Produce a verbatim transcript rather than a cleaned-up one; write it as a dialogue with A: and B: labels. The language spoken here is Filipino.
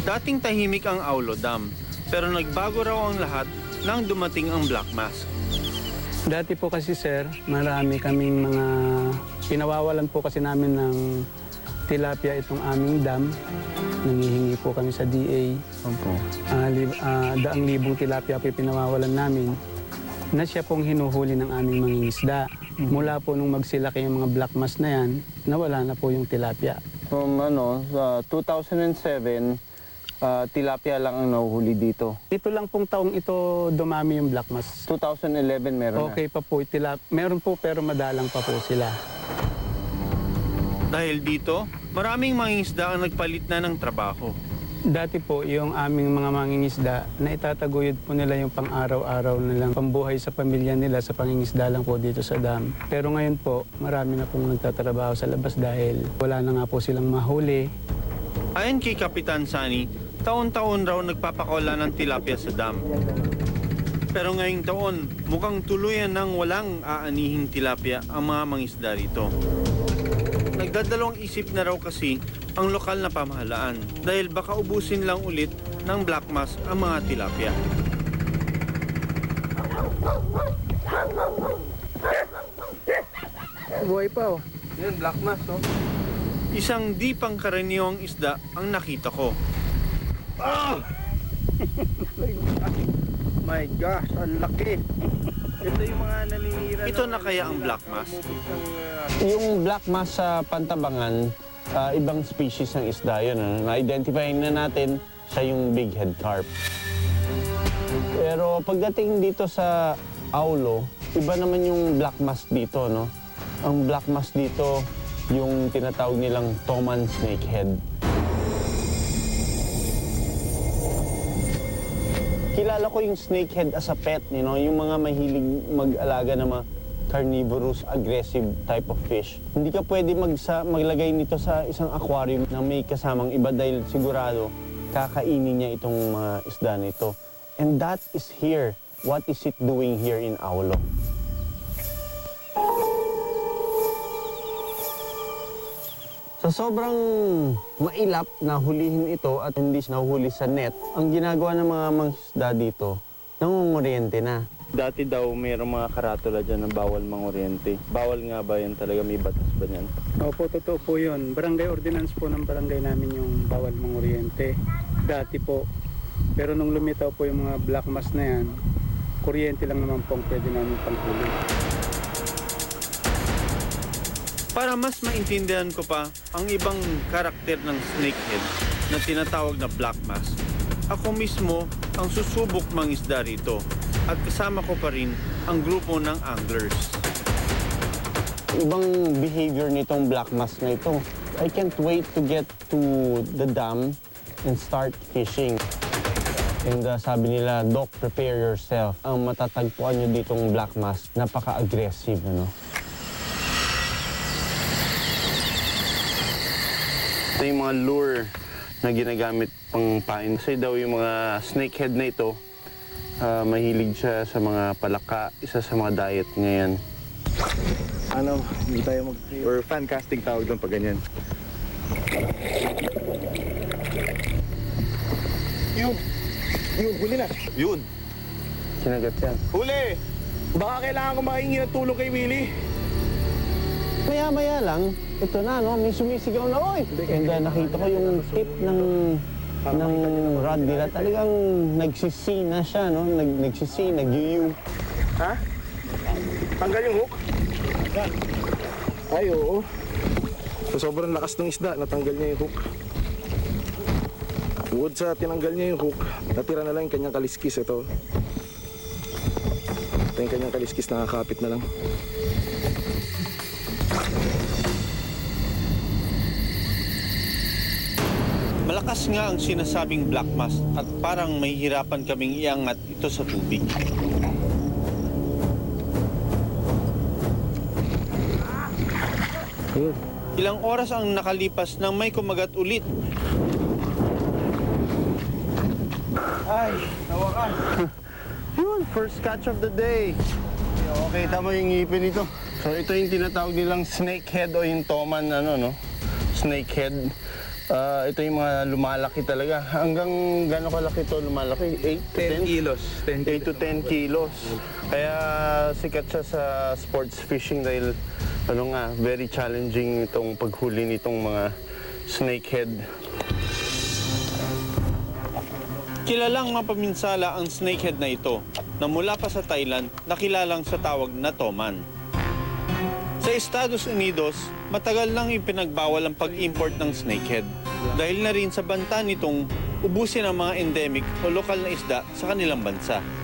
A: Dating tahimik ang Aulo Dam, pero nagbago raw ang lahat nang dumating ang Black Mask.
B: Dati po kasi sir, marami kaming mga pinawawalan po kasi namin ng tilapia itong aming dam. Nangihingi po kami sa D A.
A: Opo.
B: Uh, lib, uh, daang libong tilapia po yung pinawawalan namin na siya pong hinuhuli ng aming mangingisda. Mm-hmm. Mula po nung magsilaki yung mga black mass na yan, nawala na po yung tilapia.
C: From ano, sa two thousand seven, uh, tilapia lang ang nahuhuli dito.
B: Dito lang pong taong ito dumami yung black mass.
C: two thousand eleven meron
B: okay
C: na.
B: pa po, tilap meron po pero madalang pa po sila.
A: Dahil dito, maraming mangingisda ang nagpalit na ng trabaho.
B: Dati po, yung aming mga mangingisda, na itataguyod po nila yung pang-araw-araw nilang pambuhay sa pamilya nila sa pangingisda lang po dito sa dam. Pero ngayon po, marami na pong nagtatrabaho sa labas dahil wala na nga po silang mahuli.
A: Ayon kay Kapitan Sani, taon-taon raw nagpapakawala ng tilapia sa dam. Pero ngayong taon, mukhang tuluyan ng walang aanihing tilapia ang mga mangisda rito. Nagdadalawang isip na raw kasi ang lokal na pamahalaan dahil baka ubusin lang ulit ng black mass ang mga tilapia.
B: Buhay pa oh.
C: Yan, black mass oh.
A: Isang di pangkaraniwang isda ang nakita ko.
C: Oh! My gosh, ang laki. Ito yung mga naninira.
A: Ito na kaya ang black mass?
C: Yung black mass sa Pantabangan, uh, ibang species ng isda yun. Ano? Na-identify na natin siya yung big head carp. Pero pagdating dito sa Aulo, iba naman yung black mass dito. No? Ang black mass dito, yung tinatawag nilang Toman snakehead. Kilala ko yung snakehead as a pet, you know, yung mga mahilig mag-alaga ng mga carnivorous, aggressive type of fish. Hindi ka pwede magsa, maglagay nito sa isang aquarium na may kasamang iba dahil sigurado kakainin niya itong mga isda nito. And that is here. What is it doing here in Aulo? Sa sobrang mailap na hulihin ito at hindi siya nahuhuli sa net, ang ginagawa ng mga mangisda dito, nangunguryente na. Dati daw mayroong mga karatula dyan na bawal manguryente. Bawal nga ba yan talaga? May batas ba yan?
B: Opo, totoo po yun. Barangay ordinance po ng barangay namin yung bawal manguryente. Dati po. Pero nung lumitaw po yung mga black mass na yan, kuryente lang naman pong pwede namin panghuli.
A: Para mas maintindihan ko pa ang ibang karakter ng snakehead na tinatawag na black mass, ako mismo ang susubok mangisda rito at kasama ko pa rin ang grupo ng anglers.
C: Ibang behavior nitong black mass na ito. I can't wait to get to the dam and start fishing. And uh, sabi nila, Doc, prepare yourself. Ang matatagpuan nyo ditong black mass, napaka-aggressive, ano? Ito yung mga lure na ginagamit pang pain. Kasi daw yung mga snakehead na ito, uh, mahilig siya sa mga palaka, isa sa mga diet ngayon.
D: Ano, hindi tayo mag... or fan casting tawag doon pag ganyan. Yun! Yun, huli na! Yun!
C: Kinagat yan.
D: Huli! Baka kailangan ko makahingi ng tulong kay Willie.
C: Maya-maya lang, ito na, no? May sumisigaw na, oy! And uh, nakita ko yung tip ng ng rod nila. Talagang nagsisi na siya, no? Nag, nagsisi, nag-yu-yu.
D: Ha? Tanggal yung hook? Ay, oo. So, sobrang lakas ng isda, natanggal niya yung hook. Bukod sa tinanggal niya yung hook, natira na lang yung kanyang kaliskis. Ito. Ito yung kanyang kaliskis, nakakapit na lang.
A: Malakas nga ang sinasabing black mass at parang may hirapan kaming iangat ito sa tubig. Ilang oras ang nakalipas nang may kumagat ulit.
C: Ay, nawakan. Yun, first catch of the day. Okay, tama yung ngipin nito. So ito yung tinatawag nilang snakehead o yung toman, ano, no? Snakehead. Ah, ito yung mga lumalaki talaga. Hanggang gano'n kalaki to lumalaki? eight to ten?
B: kilos. ten
C: eight to ten kilos. Kaya sikat siya sa sports fishing dahil ano nga, very challenging itong paghuli nitong mga snakehead.
A: Kilalang mapaminsala ang snakehead na ito na mula pa sa Thailand nakilalang sa tawag na toman. Sa Estados Unidos, matagal nang ipinagbawal ang pag-import ng snakehead dahil na rin sa banta nitong ubusin ang mga endemic o lokal na isda sa kanilang bansa.